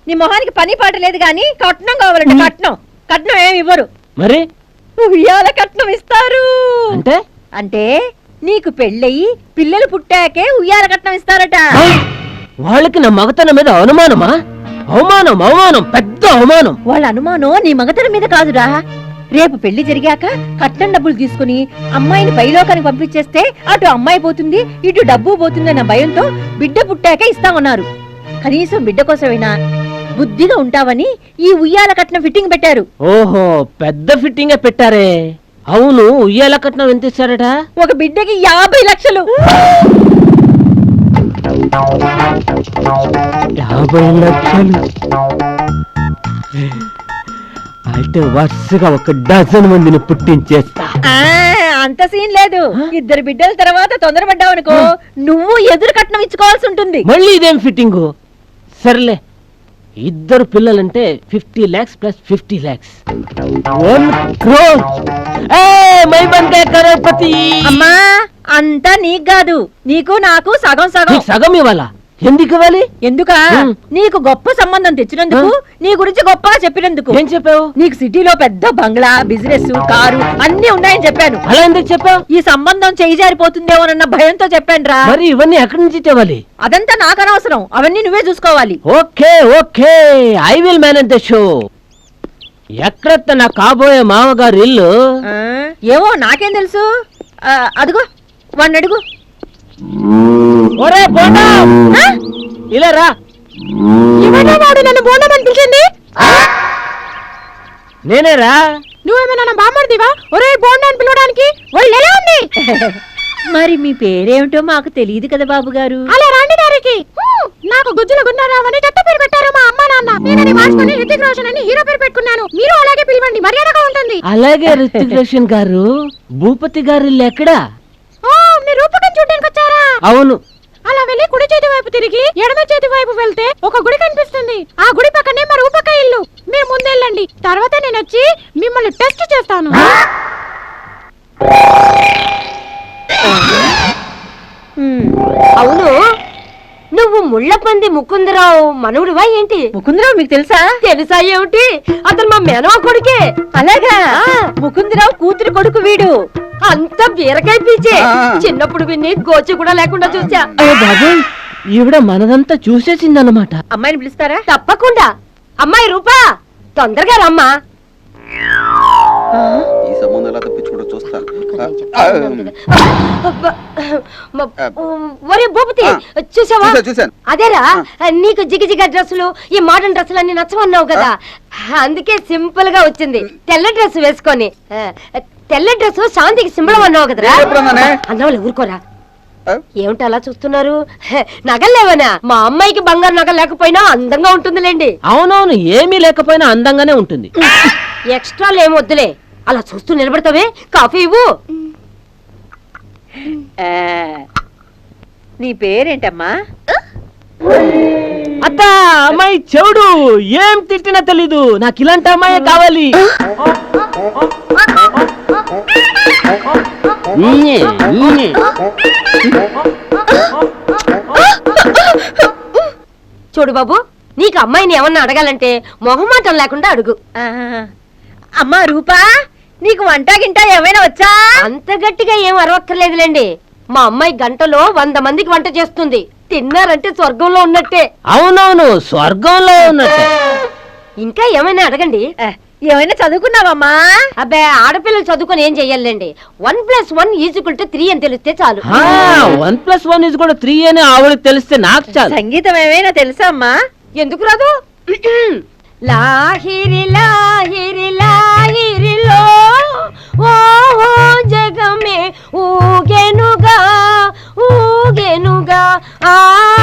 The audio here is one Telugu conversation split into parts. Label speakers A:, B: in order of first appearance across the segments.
A: నీ మొహానికి పని పాట లేదు గాని కట్నం కావాలంటే కట్నం ఏమి ఇవ్వరు.
B: మరి
A: ఉయ్యాల కట్నం ఇస్తారు.
B: అంటే
A: అంటే నీకు పెళ్ళయి పిల్లలు పుట్టాకే ఉయ్యాల కట్నం ఇస్తారట.
B: వాళ్ళకి నా మగతనం మీద అనుమానమా? అవమానం పెద్ద అవమానం.
A: వాళ్ళ అనుమానం నీ మగతనం మీద కాదురా. రేపు పెళ్లి జరిగాక కట్నం డబ్బులు తీసుకుని అమ్మాయిని పైలోకానికి పంపించేస్తే అటు అమ్మాయి పోతుంది ఇటు డబ్బు పోతుందన్న భయంతో బిడ్డ పుట్టాకే ఇస్తామన్నారు. కనీసం బిడ్డ కోసమైనా బుద్ధిగా ఉంటావని ఈ ఉయ్యాల కట్నం ఫిట్టింగ్ పెట్టారు.
B: ఓహో, పెద్ద ఫిట్టింగే పెట్టారే. అవును, ఉయ్యాల కట్నం ఎంత ఇస్తారట?
A: ఒక బిడ్డకి 50 లక్షలు.
B: 50 లక్షలు అయితే వరుసగా 1 డజన్ మందిని పుట్టించేస్తా.
A: అంత సీన్ లేదు. 2 బిడ్డల తర్వాత తొందరపడ్డావనుకో నువ్వు ఎదురు కట్నం ఇచ్చుకోవాల్సి ఉంటుంది.
B: మళ్ళీ ఇదేం ఫిట్టింగు? సర్లే, 2 పిల్లలంటే 50 lakhs ప్లస్ 50 lakhs 1 crore. మై బందే కరోడ్పతి.
A: అమ్మా, అంతా నీకు కాదు, నీకు నాకు సగం సగం.
B: సగం ఇవ్వాలా? ఎందుకు ఇవ్వాలి?
A: ఎందుక? నీకు గొప్ప సంబంధం తెచ్చినందుకు, నీ గురించి గొప్పగా చెప్పినందుకు.
B: ఏం చెప్పావు?
A: నీకు సిటీలో పెద్ద బంగ్లా, బిజినెస్, కారు అన్ని ఉన్నాయని చెప్పాను.
B: అలా ఎందుకు చెప్పావు?
A: ఈ సంబంధం చేయి జారిపోతుందేమోనన్న భయంతో చెప్పాను రా.
B: మరి ఇవన్నీ ఎక్కడి నుంచి తేవాలి?
A: అదంతా నాకు అనవసరం, అవన్నీ నువ్వే చూసుకోవాలి.
B: Okay okay, I will manage the show. ఎక్కడ నా కాబోయే మామగారు ఇల్లు?
A: ఏమో నాకేం తెలుసు. అదిగో వాడిని అడుగు.
B: ఒరే బోండా, ఇలా రా.
A: వాడు నన్ను బోండమని పిలిచింది?
B: నేనేరా.
A: నువ్వేమైనా బామ్మడిదివా? ఒరే బోండా అని పిలవడానికి వాళ్ళు ఎలా ఉంది? మరి మీ పేరేమిటో మాకు తెలియదు కదా బాబు గారు. అలా రాండి దారికి. నాకు గుజ్జుల గున్నారావు అని చెత్త పేరు పెట్టారు మా అమ్మ నాన్న. నేనని మార్చుకుని రితిక్ రోషన్ అని హీరో పేరు పెట్టుకున్నాను. మీరు అలాగే పిలవండి, మర్యాదగా ఉంటుంది.
B: అలాగే రితిక్ రోషన్ గారు. భూపతి గారు ఇల్లు ఎక్కడా?
A: మీరు రూపకం చూడడానికి వచ్చారా?
B: అవును.
A: అలా వెళ్ళి కుడి చేతి వైపు తిరిగి ఎడమ చేతి వైపు వెళ్తే ఒక గుడి కనిపిస్తుంది. ఆ గుడి పక్కనే మా రూపక ఇల్లు. మీరు ముందెళ్ళండి, తర్వాత నేను వచ్చి మిమ్మల్ని టెస్ట్ చేస్తాను.
C: అవును, నువ్వు ముళ్ళపంది ముకుందరావు మనవుడివా ఏంటి?
A: ముకుందరావు మీకు తెలుసా?
C: తెలుసా ఏమిటి, అతను మా మేనవ కొడుకే.
A: అలాగా? ముకుందరావు కూతురు కొడుకు వీడు.
C: అంత బీరకాయ పీచే. చిన్నప్పుడు విన్ని గోచి కూడా లేకుండా చూసా.
B: బాబు, ఈవిడ మనదంతా చూసేసిందన్నమాట.
A: అమ్మాయిని పిలుస్తారా?
C: తప్పకుండా. అమ్మాయి రూపా, తొందరగా రమ్మా.
D: ఈ సంబంధం ఎలా తప్పించుకుంటూ చూస్తా.
C: ఒరే భూపతి, చూసావా?
D: చూసాను.
C: అదేరా, నీకు జిగజిగ డ్రెస్సులు, ఈ మోడర్న్ డ్రెస్సులు అన్ని నచ్చమన్నావు కదా, అందుకే సింపుల్ గా వచ్చింది. తెల్ల డ్రెస్ వేసుకొని. తెల్ల డ్రెస్ శాంతికి సింబలం అన్నావు కదరా. అన్నవాళ్ళు ఊరుకోరా. ఏమిటి అలా చూస్తున్నారు? నగలేవనా? మా అమ్మాయికి బంగారు నగలు లేకపోయినా అందంగా ఉంటుందిలేండి.
B: అవునవును, ఏమీ లేకపోయినా అందంగానే ఉంటుంది.
C: ఎక్స్ట్రాలు ఏమి వద్దులే. అలా చూస్తూ నిలబడతావే, కాఫీ ఇవ్వు.
A: నీ పేరేంటమ్మా?
B: అత్త, అమ్మాయి చెవుడు. ఏం తిట్టినా తెలీదు. నాకు ఇలాంటి అమ్మాయి కావాలి.
C: చూడు బాబు, నీకు అమ్మాయిని ఏమన్నా అడగాలంటే మొహమాటం లేకుండా అడుగు.
A: అమ్మా రూపా, నీకు వంట గింట ఏమైనా వచ్చా?
C: అంత గట్టిగా ఏం అరవక్కర్లేదులేండి. మా అమ్మాయి గంటలో 100 మందికి వంట చేస్తుంది. తిన్నారంటే స్వర్గంలో ఉన్నట్టే.
B: అవునవును, స్వర్గంలో ఉన్నట్టే.
C: ఇంకా ఏమైనా అడగండి.
A: ఏమైనా చదువుకున్నావమ్మా?
C: అబ్బే, ఆడపిల్లలు చదువుకొని ఏం చెయ్యాలండి? 1+1 = 3 అని తెలిస్తే చాలు.
B: 1+1 = 3 అని ఆవిడకి తెలిస్తే నాకు చాలు.
A: సంగీతం ఏమైనా తెలుసా అమ్మా?
C: ఎందుకు రాదు? లాహిరి లాహిరి లాహిరిలో ఓ జగమే ఊగెనుగా ఊగెనుగా ఆ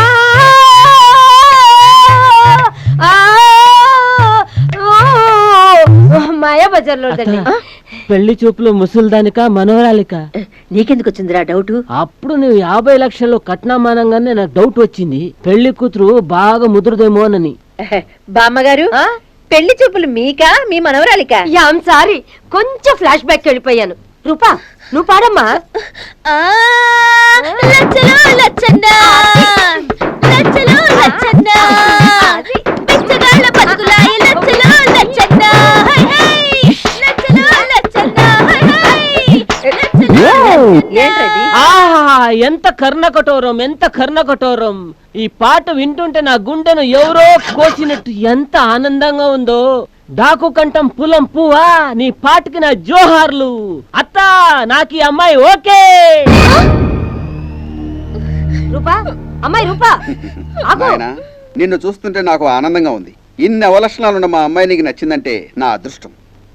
C: మాయా బజార్లో.
B: పెళ్లి చూపులు ముసల్దానిక మనోరాలిక?
A: నీకెందుకు వచ్చిందిరా డౌట్?
B: అప్పుడు నువ్వు 50 లక్షలు కట్నమానంగానే నాకు డౌట్ వచ్చింది. పెళ్లి కూతురు బాగా ముదురుదేమోనని.
A: బామ్మగారు, పెళ్లి చూపులు మీకా మీ మనవరాలిక?
C: యామ్ సారీ, కొంచెం ఫ్లాష్ బ్యాక్ వెళ్ళిపోయాను. రూపా, నువ్వు పాడమ్మా.
A: లచ్చలో లచ్చండా, లచ్చలో లచ్చండా, పిచ్చగాళ్ళ ఏంటది?
B: ఆహా ఎంత కర్ణకఠోరం, ఎంత కర్ణకఠోరం. ఈ పాట వింటుంటే నా గుండెను ఎవరో కోసినట్టు ఎంత ఆనందంగా ఉందో. డాకు కంఠం పులం పువ్వా, నీ పాటకి నా జోహార్లు. అత్త, నాకు ఈ అమ్మాయి ఓకే.
C: రూపా, అమ్మాయి రూపా, ఆగు.
D: నాయనా, నిన్ను చూస్తుంటే నాకు ఆనందంగా ఉంది. ఇన్ని అవలక్షణాలున్న మా అమ్మాయి నీకు నచ్చిందంటే నా అదృష్టం.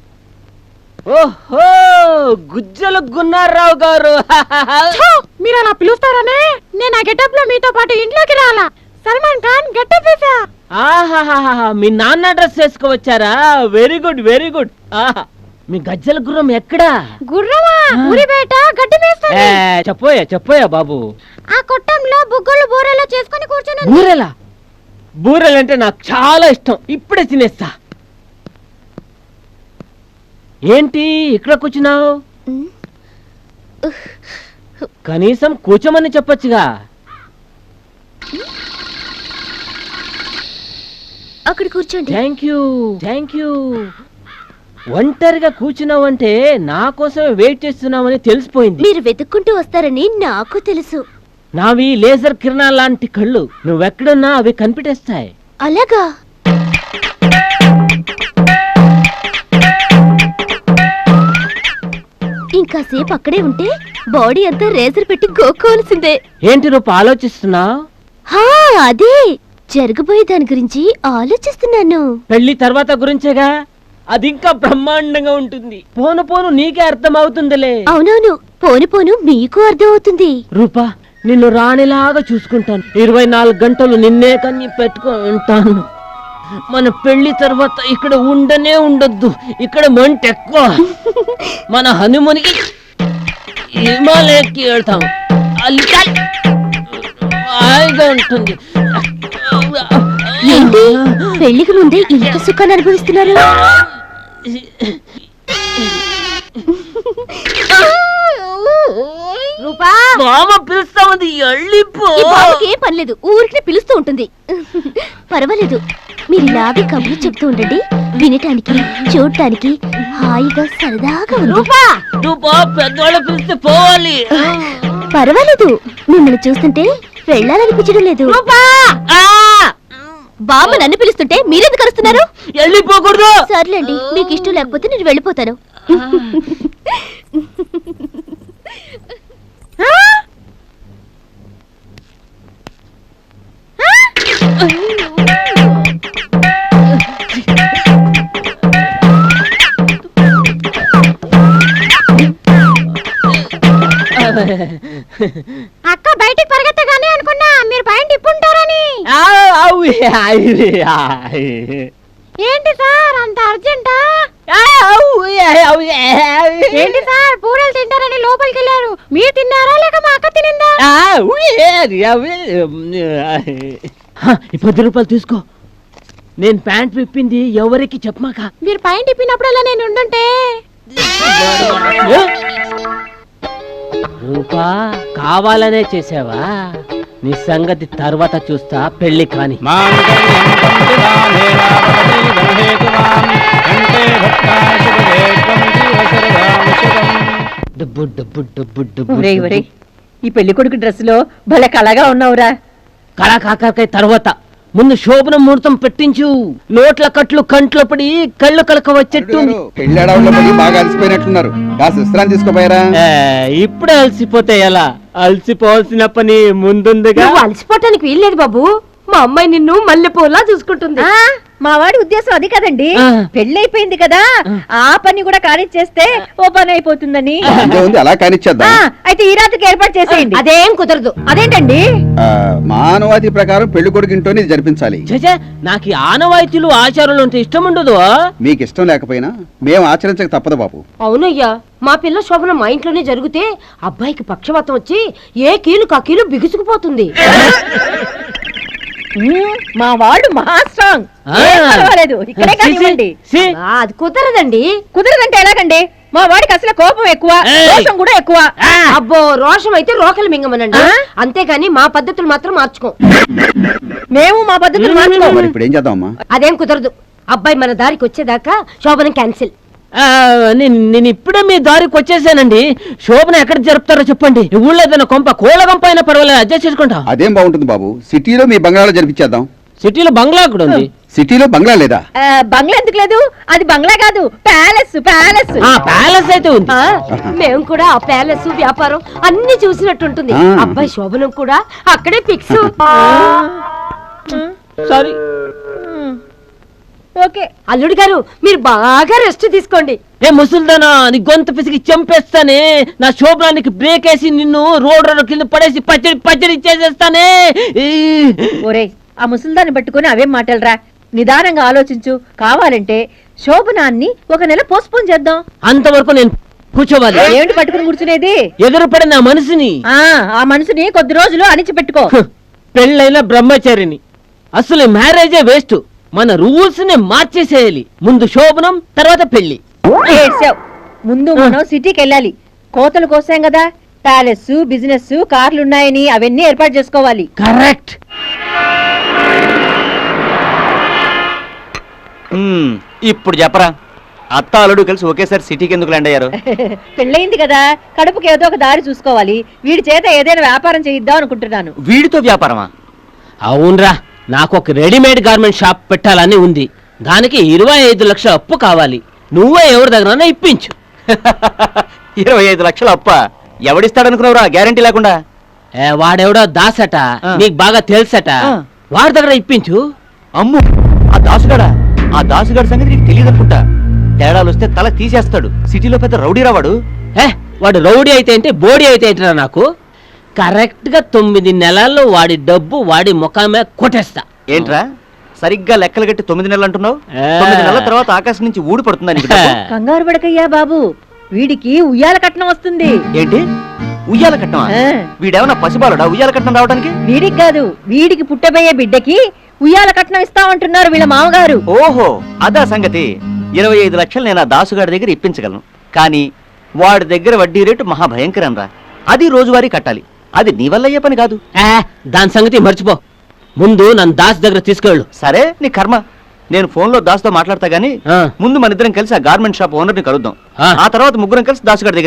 B: ఓహో, గుజ్జలు గున్నారావు గారు.
E: మీరు అలా పిలుస్తారనే నేను ఆ గెటప్ లో మీతో పాటు ఇంట్లోకి రాలా. సల్మాన్ ఖాన్ గెటప్ వేసా.
B: ఆహాహాహా, మీ నాన్న డ్రెస్ వేసుకువచ్చారా? Very good, very good. ఆహా, మీ గజ్జల గుర్రం ఎక్కడా?
E: గుర్రమా? ఊరి బయట గడ్డి వేస్తాను.
B: చెప్పోయా చెప్పోయా బాబు.
E: ఆ కొట్టంలో బుగ్గలు బూరెలో చేసుకొని కూర్చొని
B: బూరెలా? బూరెలంటే నాకు చాలా ఇష్టం. ఇప్పుడే తినేస్తా. ఏంటి ఇక్కడ కూర్చున్నావు? కనీసం కూర్చోమని చెప్పొచ్చుగా.
E: అక్కడ కూర్చోండి.
B: Thank you, thank you. ఒంటరిగా కూర్చున్నావంటే నా కోసమే వెయిట్ చేస్తున్నావని తెలిసిపోయింది.
E: మీరు వెతుక్కుంటూ వస్తారని నాకు తెలుసు.
B: నావి లేజర్ కిరణాల లాంటి కళ్ళు. నువ్వెక్కడున్నా అవి కనిపెట్టేస్తాయి.
E: అలాగా? ఇంకాసేపు అక్కడే ఉంటే బాడీ అంతా రేజర్ పెట్టి గోక్కోవాల్సిందే.
B: ఏంటి రూప ఆలోచిస్తున్నావు?
E: హా, అదే జరగబోయే దాని గురించి ఆలోచిస్తున్నాను.
B: పెళ్లి తర్వాత గురించేగా. అది ఇంకా బ్రహ్మాండంగా ఉంటుంది. పోను పోను నీకే అర్థం అవుతుందిలే.
E: అవునవును, పోను పోను మీకు అర్థం అవుతుంది.
B: రూపా, నిన్ను రాణిలాగా చూసుకుంటాను. 24 గంటలు నిన్నే కన్ని పెట్టుకుంటాను. మన పెళ్లి తర్వాత ఇక్కడ ఉండనే ఉండొద్దు. ఇక్కడ మంట ఎక్కువ. మన హనుమనికి హిమాలయకి వెళ్తాం. హాయిగా ఉంటుంది.
E: ఏంటి పెళ్లికి ముందే ఇంత సుఖాన్ని అనుభవిస్తున్నారు? రూపా,
B: మామ పిలుస్తా ఉంది, వెళ్ళిపో.
E: ఈ బాబుకి ఏం పనిలేదు, ఊరికి పిలుస్తూ ఉంటుంది. పర్వాలేదు, మీరు ఇలాగే కబుర్లు చెప్తూ ఉండండి. వినటానికి చూడటానికి హాయిగా సరదాగా ఉంది.
B: రూపా, పెద్దవాళ్ళు పిలిస్తే పోవాలి.
E: పర్వాలేదు, మిమ్మల్ని చూస్తుంటే వెళ్ళాలనిపించడం లేదు. బామ్మ నన్ను పిలుస్తుంటే మీరెందుకు అరుస్తున్నారు?
B: వెళ్ళిపోకూడదు.
E: సర్లేండి, మీకు ఇష్టం లేకపోతే నేను వెళ్ళిపోతాను. అక్క బయటికి పరిగెత్తగానే అనుకున్నా మీరు పైన ఇప్పుంటారని. ఏంటి సార్ అంత అర్జెంటా? ఏంటి సార్ పూరలు తింటారని లోపలికి వెళ్ళారు. మీరు తిన్నారా లేక మా అక్క తినిందా?
B: ఈ 10 రూపాయలు తీసుకో. నేను ప్యాంట్ విప్పింది ఎవరికి చెప్పమాక.
E: మీరు పైన తిప్పినప్పుడల్లా నేను ఉండుంటే.
B: రూపా, కావాలనే చేసావా? నీ సంగతి తర్వాత చూస్తా. పెళ్లి కాని. డబ్బు డబ్బు డబ్బు డబ్బు.
A: ఒరేయ్, ఒరేయ్, ఈ పెళ్లి కొడుకు డ్రెస్ లో భలే కళగా ఉన్నావురా.
B: కళా కాకరకాయ తర్వాత ముందు శోభన ముహూర్తం పెట్టించు. నోట్ల కట్లు కంట్లో పడి కళ్ళు కలక వచ్చేట్టు.
D: పెళ్ళాడవుల్లో పడి బాగా అలసిపోయినట్లున్నారు. కాస్త విశ్రాంతి తీసుకోపోయారా?
B: ఇప్పుడే అలసిపోతే ఎలా? అలసిపోవాల్సిన పని ముందుందిగా.
C: నువ్వు అలసిపోవటానికి వీల్లేదు బాబు. మా అమ్మాయి నిన్ను మల్లెపూలా చూసుకుంటుంది.
A: మా వాడి ఉద్దేశం అది కదండి.
B: ఆ.
A: పెళ్ళైపోయింది కదా, ఆ పని కూడా కానిచ్చేస్తే ఓ పని అయిపోతుందని.
D: ఉంది, అలా కానిచ్చేద్దాం.
A: అయితే ఈ రాత్రికి ఏర్పాటు చేసేయండి.
C: అదేం కుదరదు.
A: అదేంటండి?
D: మానవాది ప్రకారం పెళ్లి కొడుకు ఇంట్లోనే ఇది జరిపించాలి.
B: చచ్చా, నాకు ఈ ఆనవాయితీలు ఆచారాలు అంటే ఇష్టం ఉండదు.
D: మీకు ఇష్టం లేకపోయినా మేము ఆచరించక తప్పదు బాబు.
C: అవునయ్యా, మా పిల్ల శోభన మా ఇంట్లోనే జరిగితే అబ్బాయికి పక్షవాతం వచ్చి ఏ కీలు కా కీలు బిగుసుకుపోతుంది.
A: మా వాడు మహా స్ట్రాంగ్. ఏం పర్వాలేదు, ఇక్కడే కానివ్వండి.
C: అది కుదరదండి.
A: కుదరదంటే ఎలాగండి? మా వాడికి అసలు కోపం ఎక్కువ, రోషం కూడా ఎక్కువ.
C: అబ్బో, రోషం అయితే రోకలు మింగమనండి. అంతేగాని మా పద్ధతులు మాత్రం మార్చుకో.
A: మేము మా పద్ధతులు మార్చుకోము.
D: మరి ఇప్పుడు ఏం చేద్దాం అమ్మా?
C: అదేం కుదరదు. అబ్బాయి మన దారికి వచ్చేదాకా శోభనం క్యాన్సిల్.
B: నేను ఇప్పుడే మీ దారికి వచ్చేసానండి. శోభన ఎక్కడ జరుపుతారో చెప్పండి. ఊళ్ళో ఏదైనా కొంప కోళ్ళ గంప అయినా పర్వాలేదు, అడ్జస్ట్ చేసుకుంటా.
D: అదేం బాగుంటుంది బాబు, సిటీలో మీ బంగ్లాలో జరిపించేద్దాం.
B: సిటీలో బంగ్లా కూడా ఉంది.
D: సిటీలో బంగ్లా లేదా?
A: బంగ్లా ఎందుకు లేదు? అది బంగ్లా కాదు, ప్యాలెస్ ప్యాలెస్.
B: ప్యాలెస్ అయితే ఉంది.
C: మేము కూడా ఆ ప్యాలెస్ వ్యాపారం అన్ని చూసినట్టుంటుంది.
D: ఆ.
C: అబ్బాయి శోభనం కూడా అక్కడే ఫిక్స్.
B: సారీ.
A: ఓకే
C: అల్లుడు గారు మీరు బాగా రెస్ట్ తీసుకోండి.
B: ఏ ముసల్దానా, నీ గొంతు పిసికి చంపేస్తానే. నా శోభనానికి బ్రేక్ వేసి నిన్ను రోడ్ కింద పడేసి పచ్చడి పచ్చడి చేసేస్తానే.
A: ఒరేయ్, ఆ ముసల్దాన్ని పట్టుకొని అవేం మాటలరా, నిదానంగా ఆలోచించు. కావాలంటే శోభనాన్ని ఒక నెల పోస్ట్పోన్ చేద్దాం.
B: అంతవరకు నేను కూర్చోవాలి.
A: ఏమిటి పట్టుకుని కూర్చునేది?
B: ఎదురుపడిన ఆ మనిషిని,
A: ఆ మనసుని కొద్ది రోజులు అణిచిపెట్టుకో.
B: పెళ్ళైన బ్రహ్మచారిని. అసలు మ్యారేజే వేస్ట్. మన రూల్స్ ని మార్చేసేయాలి. ముందు శోభనం, తర్వాత పెళ్లి.
A: ఏడ్చావ్. ముందు మనం సిటీకి వెళ్ళాలి. కోతలు కోసాం కదా, ప్యాలెస్, బిజినెస్, కార్లు ఉన్నాయని అవన్నీ ఏర్పాటు చేసుకోవాలి.
B: కరెక్ట్.
F: ఇప్పుడు చెప్పరా, అత్త అల్లుడు కలిసి ఒకేసారి సిటీకి ఎందుకు ల్యాండ్ అయ్యారు?
A: పెళ్ళయింది కదా, కడుపుకి ఏదో ఒక దారి చూసుకోవాలి. వీడి చేత ఏదైనా వ్యాపారం చేయిద్దాం అనుకుంటున్నాను.
F: వీడితో వ్యాపారమా?
B: అవునరా, నాకు ఒక రెడీమేడ్ గార్మెంట్ షాప్ పెట్టాలని ఉంది. దానికి 25 లక్షల అప్పు కావాలి. నువ్వే ఎవరి దగ్గర ఇప్పించు.
F: 25 లక్షల అప్ప ఎవడిస్తాడనుకున్నావురా, గ్యారంటీ లేకుండా?
B: వాడెవడో దాసట, నీకు బాగా తెలుసట. వాడి దగ్గర ఇప్పించు.
F: అమ్ము, ఆ దాసుగాడా? ఆ దాసుగాడి సంగతి నీకు తెలియదు అనుకుంటా. తేడాలు వస్తే తల తీసేస్తాడు. సిటీలో పెద్ద రౌడీరా వాడు.
B: వాడు రౌడీ అయితే ఏంటి, బోడీ అయితే ఏంటిరా నాకు. కరెక్ట్ గా 9 నెలల్లో వాడి డబ్బు వాడి ముఖం మీద కొట్టేస్తా.
F: ఏంట్రా సరిగ్గా లెక్కలు కట్టి 9 నెలలు అంటున్నావు?
B: ఆ.
F: 9 నెలల తర్వాత ఆకాశం నుంచి ఊడి పడుతుందా నీకు డబ్బు?
A: కంగారు పడకయ్యా బాబు, వీడికి ఉయ్యాల కట్నం వస్తుంది.
F: ఏంటి, ఉయ్యాల కట్నమా?
A: ఆ.
F: వీడేమన్నా పసిబాలుడా ఉయ్యాల కట్నం రావడానికి?
A: వీడికి కాదు, వీడికి పుట్టబోయే బిడ్డకి ఉయ్యాల కట్నం ఇస్తామంటున్నారు వీళ్ళ మామగారు.
F: ఓహో, అదా సంగతి. 25 లక్షలు నేను ఆ దాసుగాడి దగ్గర ఇప్పించగలను. కానీ వాడి దగ్గర వడ్డీ రేటు మహాభయంకరం రా. అది రోజువారీ కట్టాలి. అది నీ వల్ల అయ్యే పని కాదు.
B: దాని సంగతి మర్చిపో. ముందు నన్ను దాస్ దగ్గర తీసుకెళ్ళు.
F: సరే, నీ కర్మ. నేను ఫోన్లో దాసుతో మాట్లాడతా గానీ
B: ఆ.
F: ముందు మన ఇద్దరం కలిసి ఆ గార్మెంట్ షాప్ ఓనర్ని కలుద్దాం.
B: ఆ.
F: ఆ తర్వాత ముగ్గురం కలిసి దాసుగాడి దగ్గర